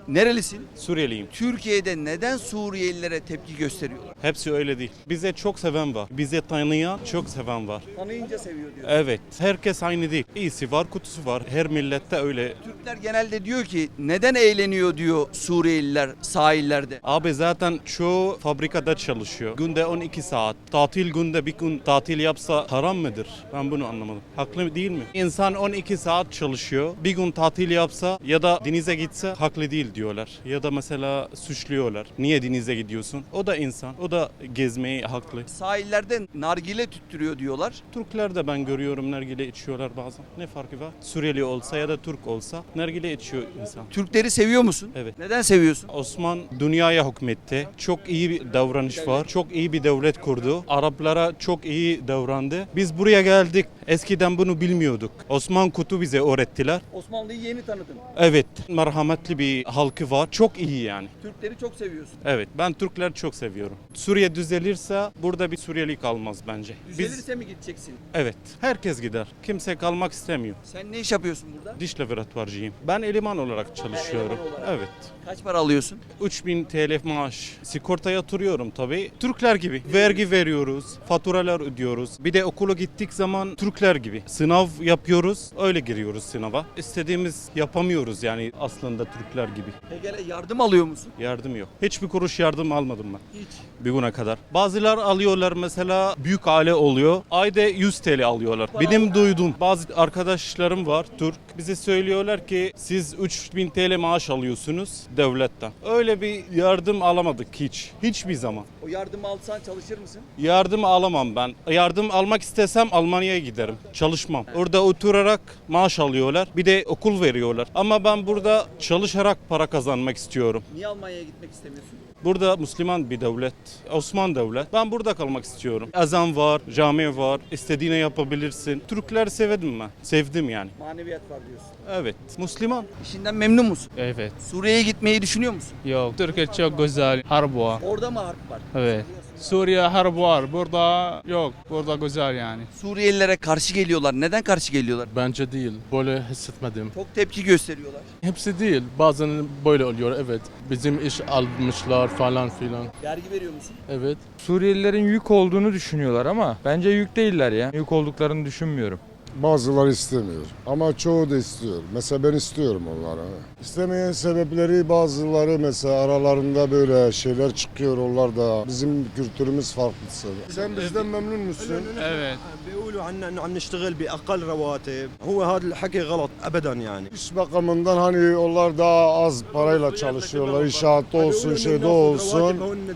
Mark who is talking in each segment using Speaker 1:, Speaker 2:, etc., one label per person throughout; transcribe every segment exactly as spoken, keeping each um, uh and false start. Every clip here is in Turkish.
Speaker 1: Nerelisin?
Speaker 2: Suriyeliyim.
Speaker 1: Türkiye'de neden Suriyelilere tepki gösteriyorlar?
Speaker 2: Hepsi öyle değil. Bize çok seven var. Bize tanıyan çok seven var.
Speaker 1: Tanıyınca seviyor diyor.
Speaker 2: Evet. Herkes aynı değil. İyisi var, kutusu var. Her millette öyle.
Speaker 1: Türkler genelde diyor ki neden eğleniyor diyor Suriyeliler sahillerde.
Speaker 2: Abi zaten çoğu fabrikada çalışıyor. Günde on iki saat. Tatil günde bir gün tatil yapsa haram mıdır? Ben bunu anlamadım. Haklı değil mi? İnsan on iki saat çalışıyor. Bir gün tatil yapsa ya da denize gitse haklı değil diyorlar. Ya da mesela suçluyorlar. Niye denize gidiyorsun? O da insan. O da gezmeyi haklı.
Speaker 1: Sahillerde nargile tüttürüyor diyorlar.
Speaker 2: Türkler de ben görüyorum nargile içiyorlar bazen. Ne farkı var? Suriyeli olsa ya da Türk olsa nargile içiyor insan.
Speaker 1: Türkleri seviyor musun?
Speaker 2: Evet.
Speaker 1: Neden seviyorsun?
Speaker 2: Osman dünyaya hükmetti. Çok iyi bir davranış var. Çok iyi bir devlet kurdu. Araplara çok iyi davrandı. Biz buraya geldik. Eskiden bunu bilmiyorduk. Osman Kutu bize öğrettiler.
Speaker 1: Osmanlı'yı yeni tanıdın.
Speaker 2: Evet, merhametli bir halkı var. Çok iyi yani.
Speaker 1: Türkleri çok seviyorsun.
Speaker 2: Evet, ben Türkleri çok seviyorum. Suriye düzelirse burada bir Suriyeli kalmaz bence. Biz,
Speaker 1: Düzelirse mi gideceksin?
Speaker 2: evet, herkes gider. Kimse kalmak istemiyor.
Speaker 1: Sen ne iş yapıyorsun burada?
Speaker 2: Diş laboratuvarcıyım. Ben eleman olarak çalışıyorum.
Speaker 1: eleman olarak.
Speaker 2: Evet.
Speaker 1: Kaç para alıyorsun?
Speaker 2: üç bin T L maaş. Sigorta yatırıyorum tabii. Türkler gibi. Vergi veriyoruz, faturalar ödüyoruz. Bir de okula gittik zaman Türkler gibi. Sınav yapıyoruz, öyle giriyoruz sınava. İstediğimiz yapamıyoruz yani aslında Türkler gibi.
Speaker 1: Peki yardım alıyor musun?
Speaker 2: Yardım yok. Hiçbir kuruş yardım almadım ben.
Speaker 1: Hiç.
Speaker 2: Bir güne kadar. Bazılar alıyorlar mesela büyük aile oluyor. Ayda yüz T L alıyorlar. Benim duyduğum bazı arkadaşlarım var Türk. Bize söylüyorlar ki siz üç bin T L maaş alıyorsunuz devletten. Öyle bir yardım alamadık hiç. Hiçbir zaman.
Speaker 1: O yardımı alsan çalışır mısın?
Speaker 2: Yardım alamam ben. Yardım almak istesem Almanya'ya giderim. Çalışmam. Orada oturarak maaş alıyorlar. Bir de okul veriyorlar. Ama ben burada çalışarak para kazanmak istiyorum.
Speaker 1: Niye Almanya'ya gitmek istemiyorsun?
Speaker 2: Burada Müslüman bir devlet, Osman devlet. Ben burada kalmak istiyorum. Ezan var, cami var, istediğini yapabilirsin. Türkler sevdim ben, sevdim yani.
Speaker 1: Maneviyat var diyorsun.
Speaker 2: Evet, Müslüman.
Speaker 1: İşinden memnun musun?
Speaker 3: Evet.
Speaker 1: Suriye'ye gitmeyi düşünüyor musun?
Speaker 3: Yok. Türkiye çok güzel. Harp var.
Speaker 1: Orada mı harp var?
Speaker 3: Evet. Suriye harp var. Burada yok. Burada güzel yani.
Speaker 1: Suriyelilere karşı geliyorlar. Neden karşı geliyorlar?
Speaker 4: Bence değil. Böyle hissetmedim.
Speaker 1: Çok tepki gösteriyorlar.
Speaker 4: Hepsi değil. Bazen böyle oluyor. Evet. Bizim iş almışlar falan filan.
Speaker 1: Vergi veriyor musun?
Speaker 4: Evet.
Speaker 5: Suriyelilerin yük olduğunu düşünüyorlar ama bence yük değiller ya. Yük olduklarını düşünmüyorum.
Speaker 6: Bazıları istemiyor ama çoğu da istiyor. Mesela ben istiyorum onlara. İstemeyen sebepleri bazıları mesela aralarında böyle şeyler çıkıyor. Onlar da bizim kültürümüz farklısı. Sen bizden memnun musun?
Speaker 3: Evet.
Speaker 7: بيقولوا عنا انه عم نشتغل باقل رواتب هو هذا الحكي غلط ابدا يعني
Speaker 6: İş bakımından hani onlar daha az parayla çalışıyorlar. İnşaatta olsun, şeyde olsun.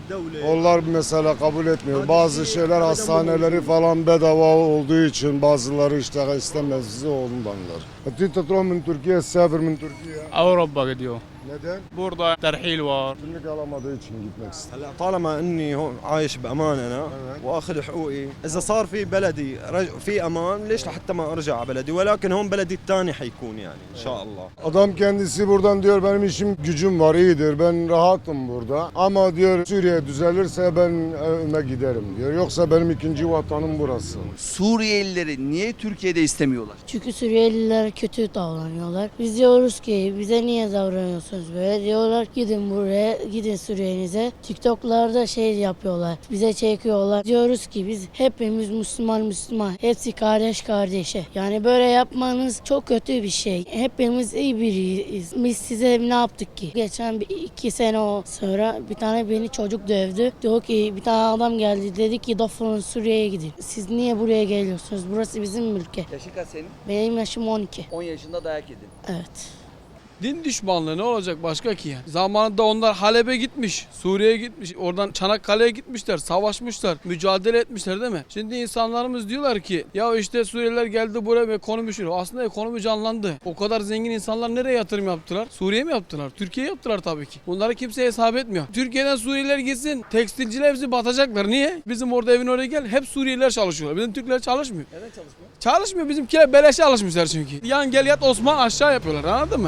Speaker 6: Onlar mesela kabul etmiyor. Bazı şeyler hastaneleri falan bedava olduğu için bazıları işte istemez bizi ondanlar. Ti tatron min Türkiye, sefer min Türkiye.
Speaker 3: Avrupa gidiyor.
Speaker 6: Neden?
Speaker 3: Burada terhil var.
Speaker 6: Kimlik alamadığı için gitmek istiyor.
Speaker 7: هلا طالما اني هون عايش بامان انا واخذ حقوقي اذا صار في بلدي رج... في امان ليش لحتى ما ارجع على بلدي ولكن هون بلدي الثاني حيكون يعني ان شاء الله.
Speaker 6: Adam kendisi buradan diyor benim işim gücüm var iyidir ben rahatım burada ama diyor Suriye düzelirse ben evime giderim diyor yoksa benim ikinci vatanım burası.
Speaker 1: Suriyelileri niye Türkiye'de istemiyorlar?
Speaker 8: Çünkü Suriyeliler kötü davranıyorlar. Biz diyoruz ki bize niye davranıyorsunuz böyle? Diyorlar gidin buraya, gidin Suriye'nize. TikTok'larda şey yapıyorlar, bize çekiyorlar. Diyoruz ki biz hepimiz Müslüman Müslüman, hepsi kardeş kardeşe. Yani böyle yapmanız çok kötü bir şey. Hepimiz iyi biriyiz. Biz size ne yaptık ki? Geçen bir, iki sene o sonra bir tane beni çocuk dövdü. Diyor ki bir tane adam geldi dedi ki defolun Suriye'ye gidin. Siz niye buraya geliyorsunuz? Burası bizim ülke.
Speaker 1: Yaşın kaç senin?
Speaker 8: Benim yaşım on iki.
Speaker 1: on yaşında dayak yedin.
Speaker 8: Evet.
Speaker 9: Din düşmanlığı ne olacak başka ki yani? Zamanında onlar Halep'e gitmiş, Suriye'ye gitmiş, oradan Çanakkale'ye gitmişler, savaşmışlar, mücadele etmişler değil mi? Şimdi insanlarımız diyorlar ki ya işte Suriyeliler geldi buraya ve ekonomi şunu. Aslında ekonomi canlandı. O kadar zengin insanlar nereye yatırım yaptılar? Suriye mi yaptılar? Türkiye yaptılar tabii ki. Bunları kimse hesap etmiyor. Türkiye'den Suriyeliler gitsin, tekstilciler hepsi batacaklar. Niye? Bizim orada evin oraya gel, hep Suriyeliler çalışıyorlar. Bizim Türkler çalışmıyor.
Speaker 1: Neden çalışmıyor?
Speaker 9: Çalışmıyor. Bizimkiler beleşe alışmışlar çünkü. Yan gel yat Osman aşağı yapıyorlar anladın mı? Bizim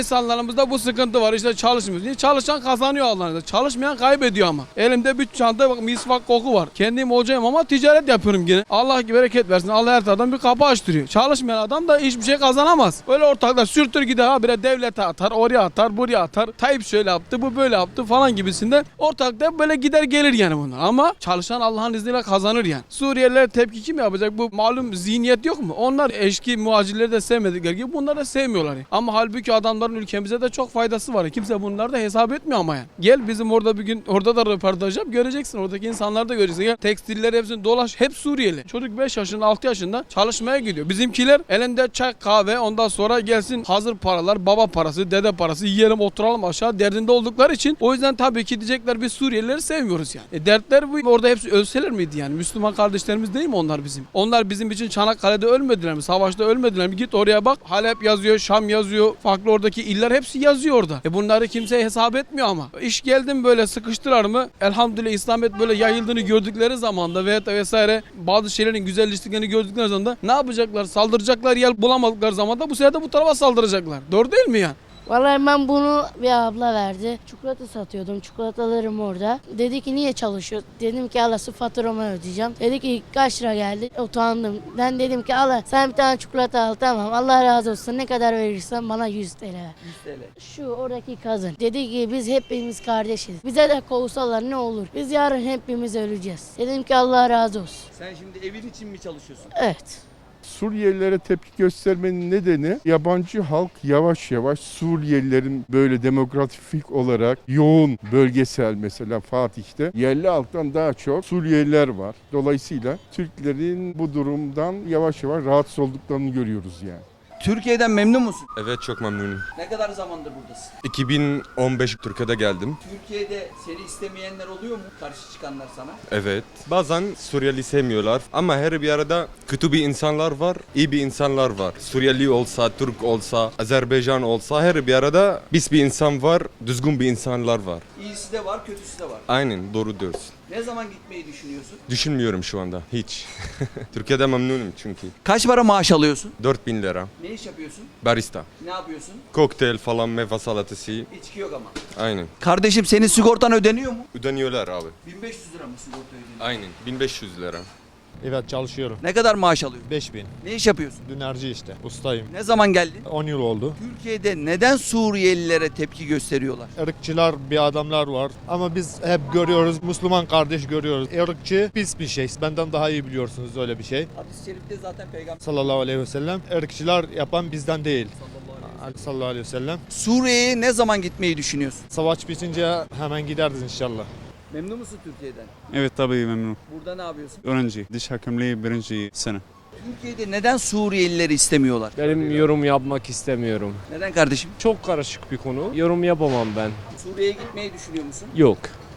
Speaker 9: İnsanlarımızda bu sıkıntı var. İşte çalışmıyoruz. Niye? Çalışan kazanıyor Allah'ın izniyle. Çalışmayan kaybediyor ama. Elimde bir çanta bak misvak koku var. Kendim hocayım ama ticaret yapıyorum yine. Allah bereket versin. Allah her taraftan bir kapı açtırıyor. Çalışmayan adam da hiçbir şey kazanamaz. Öyle ortaklar sürtür gider habire devlete atar, oraya atar, buraya atar. Tayyip şöyle yaptı, bu böyle yaptı falan gibisinden. Ortakta böyle gider gelir yani bunlar. Ama çalışan Allah'ın izniyle kazanır yani. Suriyeliler tepki kim yapacak? Bu malum zihniyet yok mu? Onlar eşki muhacirleri de sevmedikleri gibi bunları da sevmiyorlar. Yani. Ama halbuki adamların ülkemize de çok faydası var. Kimse bunları da hesap etmiyor ama yani. Gel bizim orada bir gün orada da röportaj yap göreceksin. Oradaki insanları da göreceksin. Gel, tekstiller hepsini dolaş. Hep Suriyeli. Çocuk beş yaşında altı yaşında çalışmaya gidiyor. Bizimkiler elinde çay kahve ondan sonra gelsin hazır paralar baba parası dede parası yiyelim oturalım aşağı derdinde oldukları için o yüzden tabii ki diyecekler biz Suriyelileri sevmiyoruz yani. E dertler bu. Orada hepsi ölseler miydi yani? Müslüman kardeşlerimiz değil mi onlar bizim? Onlar bizim için Çanakkale'de ölmediler mi? Savaşta ölmediler mi? Git oraya bak. Halep yazıyor, Şam yazıyor. Farklı oradaki iller hepsi yazıyor orada. E bunları kimse hesap etmiyor ama. İş geldim böyle sıkıştılar mı? Elhamdülillah İslamiyet böyle yayıldığını gördükleri zamanda veyahut da vesaire bazı şeylerin güzelleştiklerini gördükleri zaman da ne yapacaklar? Saldıracaklar yer bulamadıkları zaman da bu sefer de bu tarafa saldıracaklar. Doğru değil mi yani?
Speaker 8: Vallahi ben bunu bir abla verdi. Çikolata satıyordum. Çikolatalarım orada. Dedi ki niye çalışıyorsun? Dedim ki Allah su faturamı ödeyeceğim. Dedi ki kaç lira geldi? Utandım. Ben dedim ki Allah sen bir tane çikolata al tamam. Allah razı olsun. Ne kadar verirsen bana yüz TL ver.
Speaker 1: yüz TL.
Speaker 8: Şu oradaki kadın. Dedi ki biz hepimiz kardeşiz. Bize de kovsalar ne olur? Biz yarın hepimiz öleceğiz. Dedim ki Allah razı olsun.
Speaker 1: Sen şimdi evin için mi çalışıyorsun?
Speaker 8: Evet.
Speaker 10: Suriyelilere tepki göstermenin nedeni yabancı halk yavaş yavaş Suriyelilerin böyle demografik olarak yoğun bölgesel mesela Fatih'te yerli halktan daha çok Suriyeliler var. Dolayısıyla Türklerin bu durumdan yavaş yavaş rahatsız olduklarını görüyoruz yani.
Speaker 1: Türkiye'den memnun musun?
Speaker 11: Evet çok memnunum.
Speaker 1: Ne kadar zamandır buradasın?
Speaker 11: iki bin on beş Türkiye'de geldim.
Speaker 1: Türkiye'de seni istemeyenler oluyor mu? Karşı çıkanlar sana?
Speaker 11: Evet. Bazen Suriyeli sevmiyorlar ama her bir arada kötü bir insanlar var, iyi bir insanlar var. Suriyeli olsa, Türk olsa, Azerbaycan olsa her bir arada biz bir insan var, düzgün bir insanlar var.
Speaker 1: İyisi de var, kötüsü de var.
Speaker 11: Aynen doğru diyorsun.
Speaker 1: Ne zaman gitmeyi düşünüyorsun?
Speaker 11: Düşünmüyorum şu anda hiç. Türkiye'de memnunum çünkü.
Speaker 1: Kaç para maaş alıyorsun?
Speaker 11: dört bin lira.
Speaker 1: Ne iş yapıyorsun?
Speaker 11: Barista.
Speaker 1: Ne yapıyorsun?
Speaker 11: Kokteyl falan meyve salatası.
Speaker 1: İçki yok ama.
Speaker 11: Aynen.
Speaker 1: Kardeşim senin sigortan ödeniyor mu?
Speaker 11: Ödeniyorlar abi.
Speaker 1: bin beş yüz lira mı sigorta ödeniyor?
Speaker 11: Aynen. bin beş yüz lira.
Speaker 12: Evet çalışıyorum.
Speaker 1: Ne kadar maaş alıyorsun?
Speaker 12: beş bin.
Speaker 1: Ne iş yapıyorsun?
Speaker 12: Dönerci işte. Ustayım.
Speaker 1: Ne zaman geldin?
Speaker 12: on yıl oldu.
Speaker 1: Türkiye'de neden Suriyelilere tepki gösteriyorlar?
Speaker 12: Irkçılar bir adamlar var. Ama biz hep görüyoruz. Müslüman kardeş görüyoruz. Irkçı pis bir şey. Benden daha iyi biliyorsunuz öyle bir şey.
Speaker 1: Hadis-i şerifte zaten peygamber
Speaker 12: Sallallahu aleyhi ve sellem. Irkçılar yapan bizden değil. Sallallahu aleyhi ve sellem.
Speaker 1: Suriye'ye ne zaman gitmeyi düşünüyorsun?
Speaker 12: Savaş bitince hemen gideriz inşallah.
Speaker 1: Memnun musun Türkiye'den?
Speaker 13: Evet tabii memnunum.
Speaker 1: Burada ne yapıyorsun?
Speaker 13: Öğrenci, diş hekimliği birinci sene.
Speaker 1: Türkiye'de neden Suriyelileri istemiyorlar?
Speaker 14: Benim yorum yapmak istemiyorum.
Speaker 1: Neden kardeşim?
Speaker 14: Çok karışık bir konu. Yorum yapamam ben.
Speaker 1: Suriye'ye gitmeyi düşünüyor musun?
Speaker 14: Yok.